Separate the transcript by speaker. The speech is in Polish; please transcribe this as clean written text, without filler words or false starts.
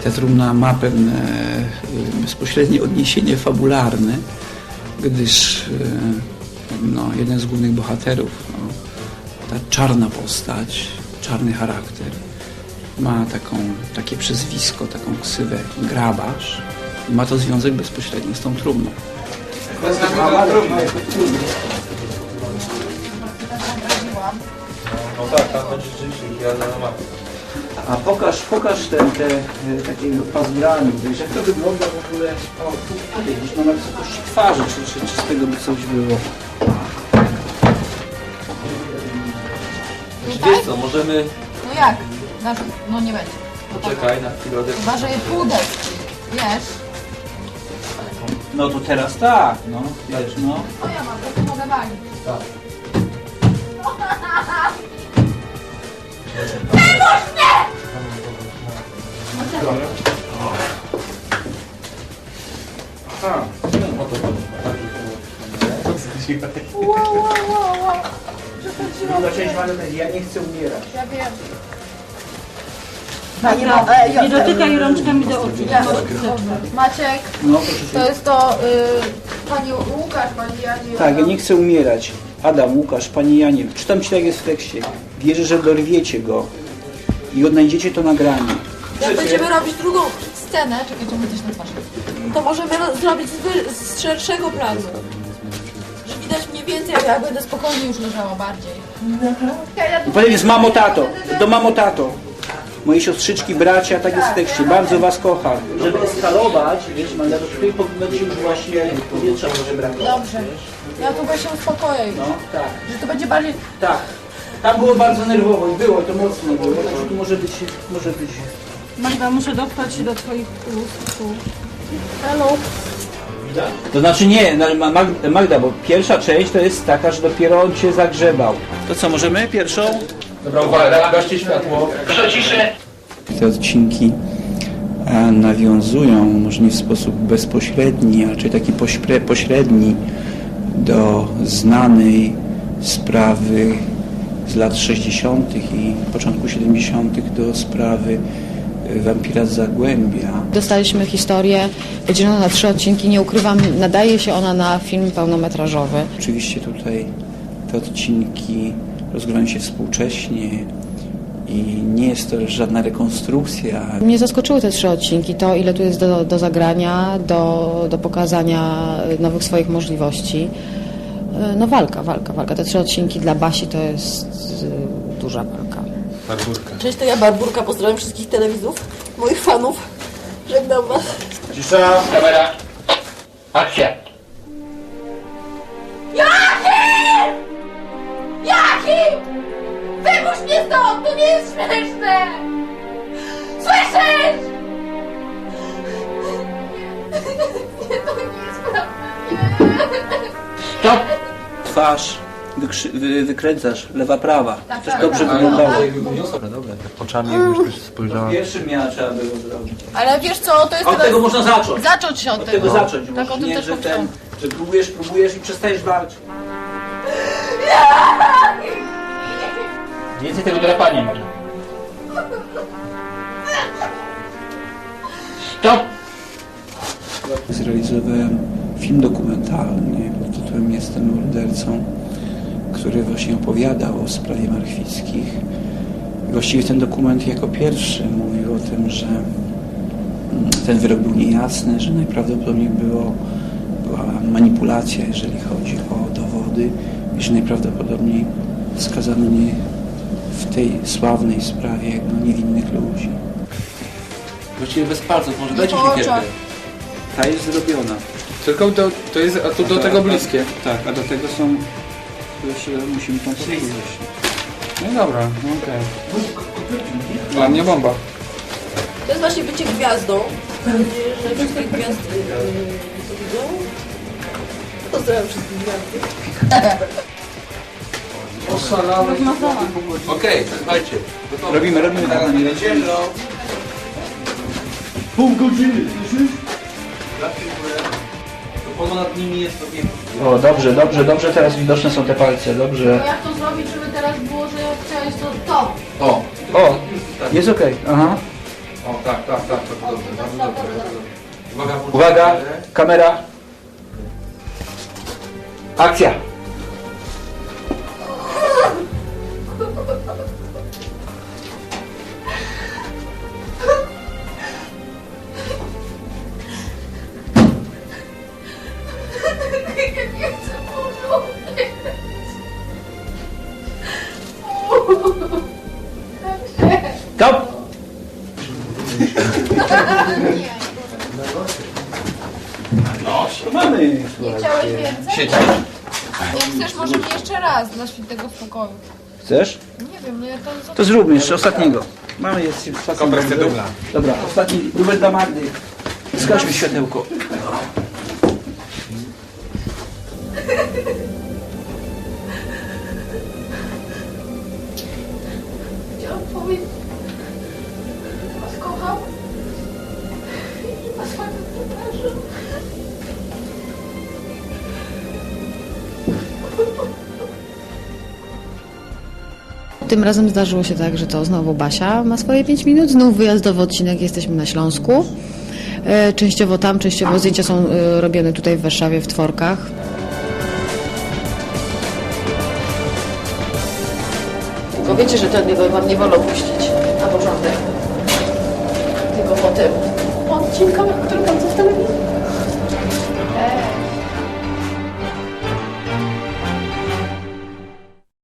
Speaker 1: Ta trumna ma pewne bezpośrednie odniesienie fabularne, gdyż jeden z głównych bohaterów, ta czarna postać, czarny charakter, ma takie przezwisko, taką ksywę Grabarz i ma to związek bezpośredni z tą trumną.
Speaker 2: No tak, tam będzie rzeczywiście wyjazda na mapę.
Speaker 1: A pokaż te takiego pazurami, jak to wygląda w ogóle, tutaj gdzieś na wysokości twarzy, czy z tego by coś było.
Speaker 2: Wiesz co, możemy...
Speaker 3: No jak? No nie będzie.
Speaker 2: Poczekaj na chwilę.
Speaker 3: Chyba, że je pół deski, wiesz?
Speaker 1: No to teraz tak, wiesz,
Speaker 3: No ja mam, to mogę walić.
Speaker 2: Tak.
Speaker 1: Aha.
Speaker 3: Wow.
Speaker 1: Druga część ma ja nie chcę umierać.
Speaker 3: Ja wiem.
Speaker 4: Nie dotykaj rączkami do oczu.
Speaker 3: Maciek,
Speaker 1: No proszę
Speaker 3: to jest to pani Łukasz, pani Jani.
Speaker 1: Tak, ja nie chcę umierać. Adam, Łukasz, Pani Janie, czytam Ci tak jest w tekście. Wierzę, że dorwiecie go i odnajdziecie to nagranie.
Speaker 3: Jak będziemy robić drugą scenę, czekajcie, my coś na twarz, to możemy zrobić z szerszego planu. Że widać mniej więcej, jak będę spokojnie już leżała bardziej.
Speaker 1: Potem jest mamo, tato, do mamo, tato. Moje siostrzyczki, bracia, tak jest w tekście. Bardzo Was kocham. Żeby eskalować, wiesz, Magda, to tutaj będzie już właśnie powietrza może brakować.
Speaker 3: Dobrze. Ja tu się uspokoję już.
Speaker 1: No, tak.
Speaker 3: Że to będzie bardziej...
Speaker 1: Tak. Tam było bardzo nerwowo i było, to mocno było, także tu może być...
Speaker 4: Magda, muszę dotrwać się do twoich ust.
Speaker 3: Hello.
Speaker 1: To znaczy nie, Magda, bo pierwsza część to jest taka, że dopiero on Cię zagrzebał. To co, możemy pierwszą?
Speaker 2: Dobra, uwaga, gaście światło.
Speaker 1: Te odcinki nawiązują, może nie w sposób bezpośredni, a raczej taki pośredni do znanej sprawy z lat 60. i początku 70. do sprawy wampira z Zagłębia.
Speaker 5: Dostaliśmy historię podzieloną na 3 odcinki, nie ukrywam, nadaje się ona na film pełnometrażowy.
Speaker 1: Oczywiście tutaj te odcinki rozgrywają się współcześnie i nie jest to żadna rekonstrukcja.
Speaker 5: Mnie zaskoczyły te 3 odcinki, to ile tu jest do zagrania, do pokazania nowych swoich możliwości. No walka. Te 3 odcinki dla Basi to jest duża walka.
Speaker 2: Barburka.
Speaker 3: Cześć, to ja Barburka, pozdrawiam wszystkich telewizów, moich fanów. Żegnam was.
Speaker 2: Cisza, kamera. Akcja.
Speaker 3: Jaki? Wypuść mnie stąd! To nie jest śmieszne! Słyszysz? Nie, to nie jest prawda.
Speaker 1: Stop! Twarz wykręcasz, lewa, prawa.
Speaker 3: Tak,
Speaker 1: Coś
Speaker 3: tak,
Speaker 1: dobrze
Speaker 3: tak.
Speaker 1: wyglądało.
Speaker 2: Dobra, tak oczami jakbyś też spojrzała.
Speaker 1: Pierwszym miała trzeba było zrobić.
Speaker 3: Ale wiesz co, to jest
Speaker 1: Od tego można zacząć.
Speaker 3: Zacząć się
Speaker 1: Od tego zacząć.
Speaker 3: Tak, o
Speaker 1: Możesz,
Speaker 3: tym
Speaker 1: nie,
Speaker 3: też
Speaker 1: że
Speaker 3: pomyślałam.
Speaker 1: że próbujesz i przestajesz walczyć. Więcej tego drapania może. Stop! Zrealizowałem film dokumentalny pod tytułem Jestem mordercą, który właśnie opowiadał o sprawie Marchwickich. I właściwie ten dokument jako pierwszy mówił o tym, że ten wyrok był niejasny, że najprawdopodobniej była manipulacja, jeżeli chodzi o dowody i że najprawdopodobniej skazano nie w tej sławnej sprawie niewinnych ludzi.
Speaker 2: Właściwie bez palców, może
Speaker 3: dajcie mi siekierkę.
Speaker 1: Ta jest zrobiona.
Speaker 2: Tylko to jest, a tu do tego bliskie.
Speaker 1: Tak, a do tego są... Jeszcze musimy tam powiedzieć.
Speaker 2: No dobra, no okej. Dla mnie bomba.
Speaker 3: To jest właśnie bycie gwiazdą. Mam nadzieję, że wszystkie gwiazdy to widzą. Pozdrawiam wszystkich gwiazdy.
Speaker 2: Okej, słuchajcie.
Speaker 1: Robimy tak.
Speaker 2: Ciemno.
Speaker 1: Pół godziny, słyszysz?
Speaker 2: To ponad nimi jest to piękne.
Speaker 1: O, dobrze, teraz widoczne są te palce, dobrze.
Speaker 3: To jak to zrobić, żeby teraz było, że chciałeś to...
Speaker 1: O, jest okej, aha.
Speaker 2: O, tak, tak, tak, to dobrze, bardzo dobrze. Uwaga,
Speaker 1: Uwaga, kamera. Akcja.
Speaker 3: Nie chcę porządek.
Speaker 1: Stop. Mamy.
Speaker 3: Nie chciałeś więcej?
Speaker 2: Siedź.
Speaker 3: Jak chcesz, możemy jeszcze raz dla świętego spokoju.
Speaker 1: Chcesz?
Speaker 3: Nie wiem, nie, to
Speaker 1: To zróbmy jeszcze ostatniego. Mamy jest ostatni.
Speaker 2: Kompresję dubla.
Speaker 1: Dobra, ostatni dubel dla Magdy. Zgaśmy światełko.
Speaker 3: chciałam powiedzieć, że was kocham i was bardzo przepraszam.
Speaker 5: Tym razem zdarzyło się tak, że to znowu Basia ma swoje 5 minut, znów wyjazdowy odcinek, jesteśmy na Śląsku. Częściowo tam, częściowo zdjęcia są robione tutaj w Warszawie w Tworkach. Tylko wiecie, że tego wam nie wolno puścić na porządek. Tylko po tym odcinkach, które tam zostały